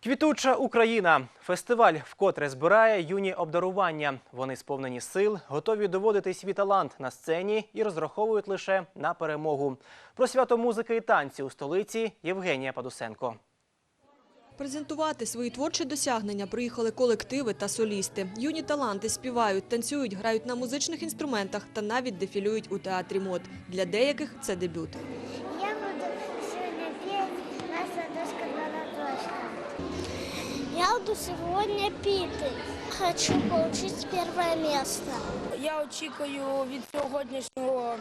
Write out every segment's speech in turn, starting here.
Квітуча Україна. Фестиваль вкотре збирає юні обдарування. Вони сповнені сил, готові доводити свій талант на сцені і розраховують лише на перемогу. Про свято музики і танці у столиці Євгенія Падусенко. Презентувати свої творчі досягнення приїхали колективи та солісти. Юні таланти співають, танцюють, грають на музичних інструментах та навіть дефілюють у театрі МОД. Для деяких це дебют. Я буду сегодня петь «Наша дочка Ладошка». Я буду сегодня петь. Хочу получить первое место. Я очікую від сьогоднішнього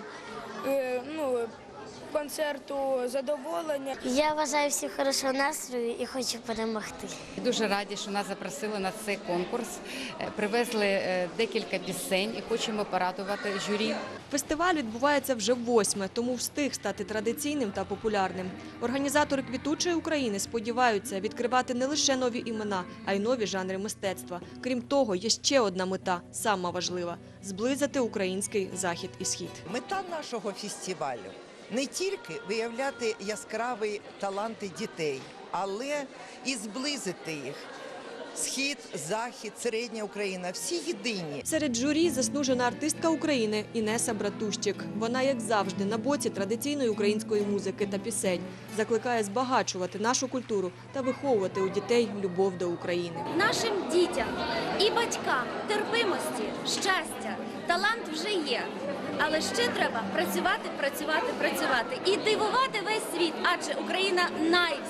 концерту задоволення. Я бажаю всім хорошого настрою і хочу перемогти. Дуже раді, що нас запросили на цей конкурс, привезли декілька пісень і хочемо порадувати журі. Фестиваль відбувається вже ввосьме, тому встиг стати традиційним та популярним. Організатори «Квітучої України» сподіваються відкривати не лише нові імена, а й нові жанри мистецтва. Крім того, є ще одна мета, сама важлива – зблизити український захід і схід. Мета нашого фестивалю – не тільки виявляти яскраві таланти дітей, але і зблизити їх. Схід, Захід, Середня Україна – всі єдині. Серед журі заслужена артистка України Інеса Братущик. Вона, як завжди, на боці традиційної української музики та пісень. Закликає збагачувати нашу культуру та виховувати у дітей любов до України. Нашим дітям і батькам терпимості, щастя, талант вже є. Але ще треба працювати і дивувати весь світ, адже Україна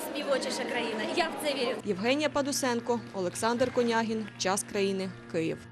найспівочіша країна. Я в це вірю. Євгенія Падусенко, Олександр Конягін. Час країни. Київ.